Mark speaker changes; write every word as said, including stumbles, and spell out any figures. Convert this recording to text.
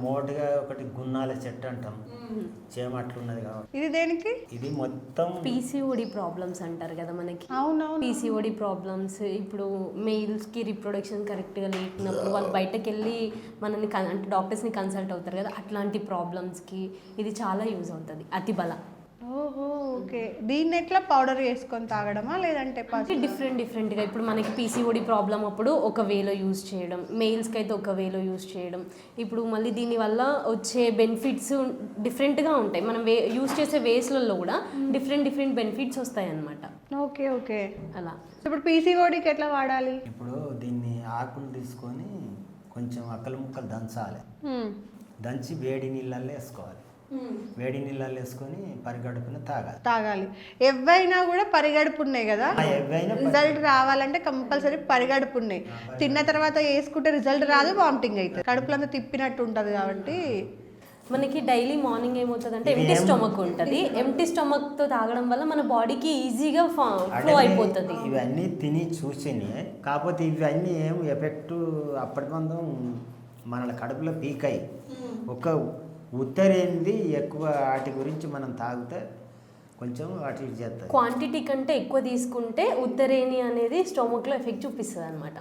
Speaker 1: మోటుగా ఒకటి గున్నాల చెట్టు అంటాం, చేమ అట్లున్నది కాబట్టి.
Speaker 2: ఇది దేనికి?
Speaker 1: ఇది మొత్తం
Speaker 3: పీసీఓడి ప్రాబ్లమ్స్ అంటారు కదా మనకి.
Speaker 2: అవునవును.
Speaker 3: పీసీఓడి ప్రాబ్లమ్స్ ఇప్పుడు మెయిల్స్కి రిప్రొడక్షన్ కరెక్ట్గా లేకున్నప్పుడు వాళ్ళు బయటకు వెళ్ళి మనల్ని కన్ అంటే డాక్టర్స్ని కన్సల్ట్ అవుతారు కదా, అట్లాంటి ప్రాబ్లమ్స్కి ఇది చాలా యూజ్ అవుతుంది అతిబల.
Speaker 2: ఓహో ఓకే. దీన్ని ఎట్లా పౌడర్ చేసుకొని తాగడమా లేదంటే
Speaker 3: అంటే డిఫరెంట్ డిఫరెంట్గా ఇప్పుడు మనకి పీసీఓడి ప్రాబ్లం అప్పుడు ఒక వేలో యూజ్ చేయడం, మెయిల్స్కి అయితే ఒక వేలో యూజ్ చేయడం. ఇప్పుడు మళ్ళీ దీనివల్ల వచ్చే బెనిఫిట్స్ డిఫరెంట్గా ఉంటాయి. మనం వే యూజ్ చేసే వేస్లలో కూడా డిఫరెంట్ డిఫరెంట్ బెనిఫిట్స్ వస్తాయి అన్నమాట.
Speaker 2: Okay okay.
Speaker 3: అలా
Speaker 2: ఇప్పుడు పీసీఓడికి ఎట్లా వాడాలి?
Speaker 1: ఇప్పుడు దీన్ని ఆకులు తీసుకొని కొంచెం అక్కలు ముక్కలు దంచాలి, దంచి వేడి నీళ్ళల్లో వేసుకోవాలి. వేడి నీళ్ళల్లో వేసుకొని పరిగడుపున తాగాలి
Speaker 2: తాగాలి ఎవైనా కూడా పరిగడుపు ఉన్నాయి కదా,
Speaker 1: ఎవైనా
Speaker 2: రిజల్ట్ రావాలంటే కంపల్సరీ పరిగడుపు ఉన్నాయి. తిన్న తర్వాత వేసుకుంటే రిజల్ట్ రాదు, వామిటింగ్ అవుతుంది, కడుపులంతా తిప్పినట్టు ఉంటుంది. కాబట్టి
Speaker 3: మనకి డైలీ మార్నింగ్ ఏమవుతుంది అంటే ఎంటీ స్టొమక్ ఉంటుంది. ఎంటీ స్టొమక్తో తాగడం వల్ల మన బాడీకి ఈజీగా ఫ్లో అయిపోతుంది.
Speaker 1: ఇవన్నీ తిని చూసిని, కాకపోతే ఇవన్నీ ఏం ఎఫెక్ట్ అప్పటి మందం మన కడుపులో పీకాయి. ఒక ఉత్తరేంది ఎక్కువ వాటి గురించి మనం తాగితే కొంచెం వాటి చేస్తుంది.
Speaker 3: క్వాంటిటీ కంటే ఎక్కువ తీసుకుంటే ఉత్తరేణి అనేది స్టొమక్లో ఎఫెక్ట్ చూపిస్తుంది అనమాట.